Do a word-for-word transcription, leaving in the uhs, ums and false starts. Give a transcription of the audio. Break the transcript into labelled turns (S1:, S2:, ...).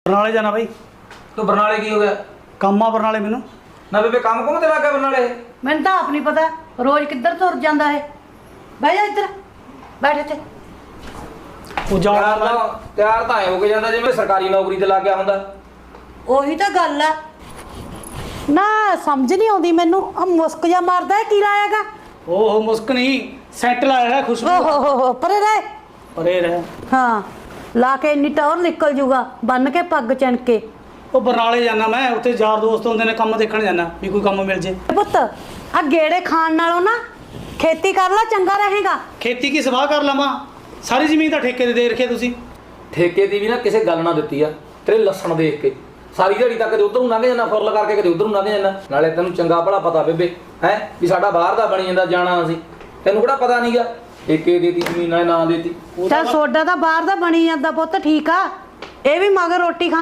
S1: ਬਰਨਾਲੇ ਜਾਣਾ ਬਾਈ।
S2: ਤੂੰ ਬਰਨਾਲੇ ਕੀ ਹੋ ਗਿਆ?
S1: ਕੰਮ ਆ ਬਰਨਾਲੇ ਮੈਨੂੰ।
S2: ਨਾ ਬੇਬੇ ਕੰਮ ਕੁਮ ਤੇ ਲੱਗ ਗਿਆ ਬਰਨਾਲੇ?
S3: ਮੈਨੂੰ ਤਾਂ ਆਪ ਨਹੀਂ ਪਤਾ ਰੋਜ਼ ਕਿੱਧਰ ਤੁਰ ਜਾਂਦਾ ਹੈ। ਬਹਿ ਜਾ ਇੱਧਰ, ਬੈਠ ਇੱਥੇ।
S1: ਉਹ
S2: ਤਿਆਰ
S1: ਜਾਣਾ
S2: ਤਾਂ ਤਿਆਰ ਤਾਂ ਐ ਹੋ ਕੇ ਜਾਂਦਾ ਜਿਵੇਂ ਸਰਕਾਰੀ ਨੌਕਰੀ ਤੇ ਲੱਗ ਗਿਆ ਹੁੰਦਾ।
S3: ਉਹੀ ਤਾਂ ਗੱਲ ਆ ਨਾ, ਸਮਝ ਨਹੀਂ ਆਉਂਦੀ ਮੈਨੂੰ। ਆ ਮੁਸਕ ਜਾ ਮਾਰਦਾ ਹੈ, ਕੀ ਲਾਇਆਗਾ?
S1: ਉਹ ਮੁਸਕ ਨਹੀਂ, ਸੈਂਟ ਲਾਇਆ ਹੈ ਖੁਸ਼ਬੂ।
S3: ਓਹ ਹੋ ਹੋ ਪਰੇ ਰਹਿ।
S1: ਪਰੇ ਰਹਿ।
S3: ਹਾਂ, ਲਾ ਕੇ ਇੰਨੀ ਟੌਰ ਨਿਕਲ ਜੂਗਾ, ਬੰਨ ਕੇ ਪੱਗ ਚਣ ਕੇ।
S1: ਉਹ ਬਰਨਾਲੇ ਜਾਣਾ ਮੈਂ, ਉੱਥੇ ਯਾਰ ਦੋਸਤ ਹੁੰਦੇ ਨੇ, ਕੰਮ ਦੇਖਣ ਜਾਣਾ ਵੀ ਕੋਈ ਕੰਮ ਮਿਲ ਜੇ।
S3: ਪੁੱਤ ਆ ਗੇੜੇ ਖਾਣ ਨਾਲੋਂ ਨਾ ਖੇਤੀ ਕਰ ਲੈ, ਚੰਗਾ ਰਹੇਗਾ।
S1: ਖੇਤੀ ਕੀ ਸਵਾਹ ਕਰ ਲਵਾਂ? ਸਾਰੀ ਜ਼ਮੀਨ ਤਾਂ ਠੇਕੇ ਤੇ ਦੇ ਰੱਖੀ ਤੁਸੀਂ।
S2: ਠੇਕੇ ਦੀ ਵੀ ਨਾ ਕਿਸੇ ਗੱਲ ਨਾ ਦਿੱਤੀ ਆ, ਤੇਰੇ ਲੱਛਣ ਦੇਖ ਕੇ ਸਾਰੀ ਦਿਹਾੜੀ ਤੱਕ ਕਦੇ ਉਧਰ ਨੂੰ ਲੰਘ ਜਾਂਦਾ, ਫੁਰਲ ਕਰਕੇ ਕਦੇ ਉਧਰ ਨੂੰ ਲੰਘ ਜਾਂਦਾ। ਨਾਲੇ ਤੈਨੂੰ ਚੰਗਾ ਭਲਾ ਪਤਾ ਬੇਬੇ ਹੈ ਵੀ ਸਾਡਾ ਬਾਹਰ ਦਾ ਬਣੀ ਜਾਂਦਾ ਜਾਣਾ ਅਸੀਂ, ਤੈਨੂੰ ਕਿਹੜਾ ਪਤਾ ਨਹੀਂਗਾ। ਠੇਕੇ ਦੇਤੀ ਜ਼ਮੀਨ ਨਾਲ ਨਾ ਦੇਤੀ।
S3: ਚੱਲ ਸੋਡਾ ਤਾਂ ਬਾਹਰ ਦਾ ਬਣੀ ਜਾਂਦਾ ਪੁੱਤ, ਠੀਕ ਆ। ਇਹ ਵੀ ਮਗਰ ਰੋਟੀ ਖਾ